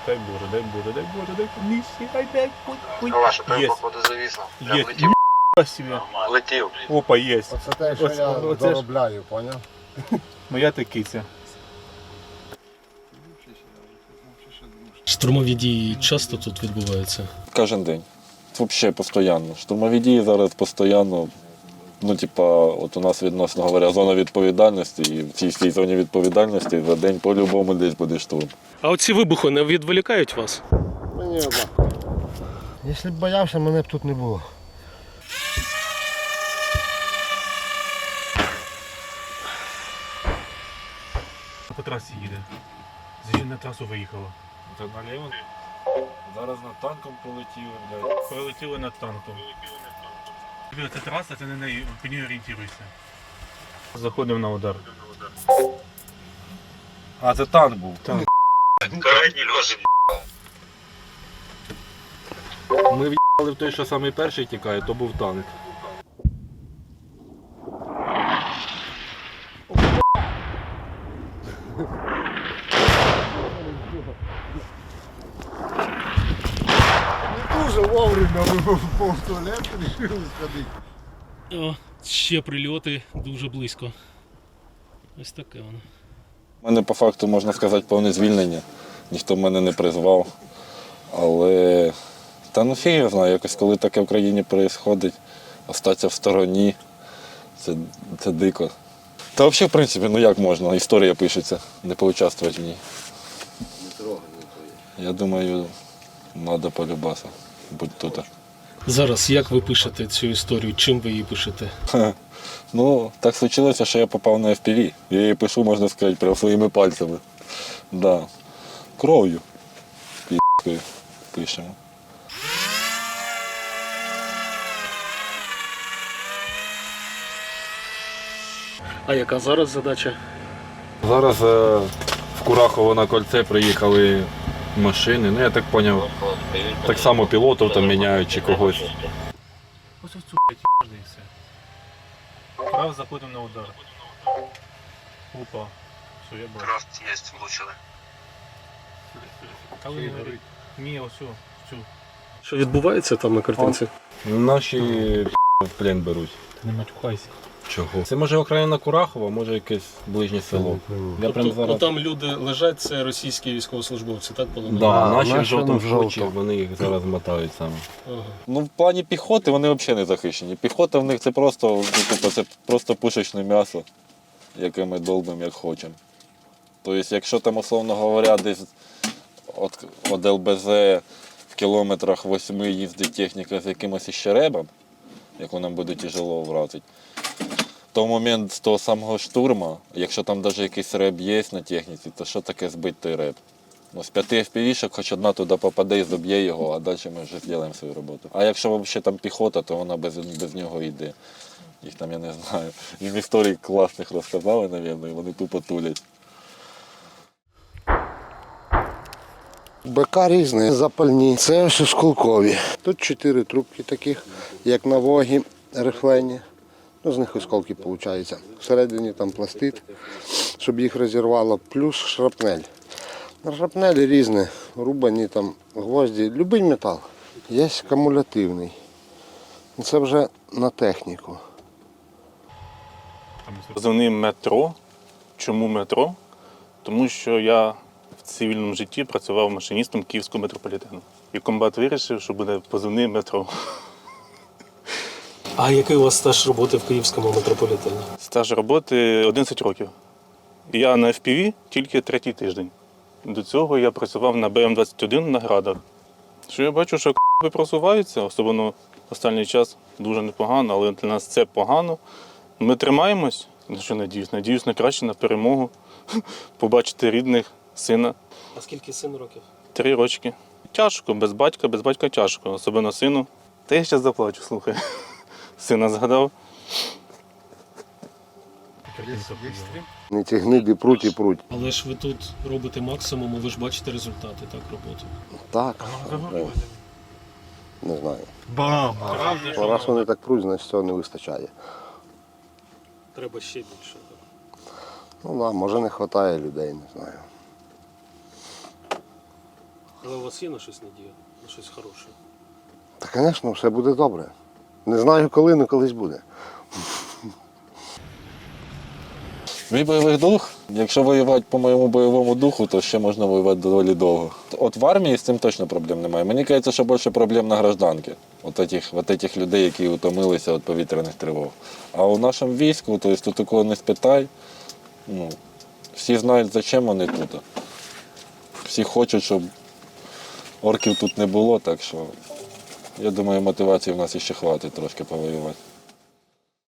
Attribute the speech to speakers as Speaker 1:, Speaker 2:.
Speaker 1: дай Боже, дай Боже, дай Боже, дай Боже, дай Боже.
Speaker 2: Ваша пиво, походу, зависло. Прям
Speaker 1: Есть.
Speaker 2: летів.
Speaker 1: Себе.
Speaker 2: Летів.
Speaker 1: Опа, есть.
Speaker 3: Оце те, що я
Speaker 1: Оце ж
Speaker 3: заробляю, поняв?
Speaker 1: моя такиця.
Speaker 4: Штурмові дії часто тут відбуваються?
Speaker 5: Кожен день. Взагалі постійно. Штурмові дії зараз постійно. Ну, типа, от у нас відносно говоря, зона відповідальності, і в цій всій зоні відповідальності за день по-любому десь буде штурм.
Speaker 4: А оці вибухи не відволікають вас?
Speaker 3: Мені однаково. Якщо б боявся, мене б тут не було.
Speaker 1: По трасі їде. Зі на трасу виїхала.
Speaker 5: Це наліво? Зараз над танком полетіли, блядь.
Speaker 1: Прилетіли над танком. Це траса, ти на неї по ній орієнтуйся. Заходимо на удар.
Speaker 5: А, це танк був.
Speaker 1: Танк.
Speaker 2: Крайній льожі.
Speaker 5: Ми в'їхали в той, що самий перший тікає, то був танк.
Speaker 3: Дуже вовремя вибув в туалет, вирішив сходити.
Speaker 4: О, ще прильоти дуже близько. Ось таке воно.
Speaker 5: У мене по факту, можна сказати, повне звільнення. Ніхто мене не призвав. Але та ну фіг я знаю, якось коли таке в країні відбувається, остатися в стороні, це дико. Та взагалі, в принципі, ну як можна, історія пишеться, не поучаствувати в ній. Я думаю, треба полюбаса бути тут.
Speaker 4: Зараз як ви пишете цю історію? Чим ви її пишете?
Speaker 5: Ну, так случилося, що я попав на FPV. Я її пишу, можна сказати, прямо своїми пальцями. Да. Кров'ю. Пі***кою пишемо.
Speaker 4: А яка зараз задача?
Speaker 5: Зараз в Курахово на кольце приїхали машини. Ну, я так зрозумів, так само пілотів там міняють чи когось.
Speaker 1: Ось ось цю і все. Раз заходимо на удар. Опа. Що я бачу?
Speaker 2: Раз є, влучили.
Speaker 1: А ви не горить. Ні, ось цю.
Speaker 4: Що відбувається там на картинці?
Speaker 5: Наші в плен беруть.
Speaker 1: Ти не матюхайся.
Speaker 5: Чого? Це може окраїна Курахова, може якесь ближнє село. Я прям
Speaker 4: Тобто,
Speaker 5: зараз...
Speaker 4: там люди лежать, це російські військовослужбовці, так полонені?
Speaker 5: Да,
Speaker 3: Да,
Speaker 5: наші в
Speaker 3: наші
Speaker 5: жовтому
Speaker 3: в жовтому.
Speaker 5: шоці, вони їх зараз мотають саме.
Speaker 4: Ага.
Speaker 5: Ну, в плані піхоти вони взагалі не захищені. Піхота в них це просто, ну, типу, це просто пушечне м'ясо, яке ми долбимо як хочемо. Тобто, якщо там, условно говоря, десь від ЛБЗ в кілометрах 8 їздить техніка з якимось іще ребом, яку нам буде тяжело вразити, то в момент з того самого штурму, якщо там навіть якийсь реб є на техніці, то що таке збити той реб? Ну, з 5 FPV-шок хоч одна туди попаде і заб'є його, а далі ми вже зробимо свою роботу. А якщо взагалі там піхота, то вона без нього йде. Їх там, я не знаю, їм історій класних розказали, мабуть, і вони тупо тулять.
Speaker 3: БК різні, запальні. Це ось осколкові. Тут 4 трубки таких, як на вогі, рихлені. Ну, з них осколки виходить. Всередині там пластит, щоб їх розірвало, плюс шрапнель. На шрапнелі різні, рубані там гвозді, будь-який метал. Є кумулятивний. Це вже на техніку.
Speaker 6: Позивний метро. Чому метро? Тому що я в цивільному житті працював машиністом Київського метрополітену. І комбат вирішив, що буде позивний метро.
Speaker 4: А який у вас стаж роботи в Київському метрополітені?
Speaker 6: Стаж роботи 11 років. І я на FPV тільки 3-й тиждень. До цього я працював на БМ-21 на градах. Що я бачу, що просуваються, особливо останній час дуже непогано, але для нас це погано. Ми тримаємось, на що надіюсь? Надіюсь на краще, на перемогу, побачити рідних, сина.
Speaker 4: А скільки сину років?
Speaker 6: 3 рочки. Тяжко, без батька тяжко, особливо сину. Та я зараз заплачу, слухай. Сина згадав.
Speaker 3: Ці гниди пруть і пруть.
Speaker 4: Але ж ви тут робите максимум, і ви ж бачите результати так роботи.
Speaker 3: Так, не знаю.
Speaker 1: Бам!
Speaker 3: Раз вони так пруть, значить цього не вистачає.
Speaker 4: Треба ще більше.
Speaker 3: Ну так, може не вистачає людей, не знаю.
Speaker 4: Але у вас є на щось надія? На щось хороше?
Speaker 3: Та, звісно, все буде добре. Не знаю коли, але колись буде.
Speaker 5: Мій бойовий дух, якщо воювати по моєму бойовому духу, то ще можна воювати доволі довго. От в армії з цим точно проблем немає. Мені кажеться, що більше проблем на гражданки. От этих людей, які утомилися від повітряних тривог. А у нашому війську, то есть, тут такого не спитай. Ну, всі знають, за чим вони тут. Всі хочуть, щоб орків тут не було, так що я думаю, мотивації в нас іще хватить трошки повоювати.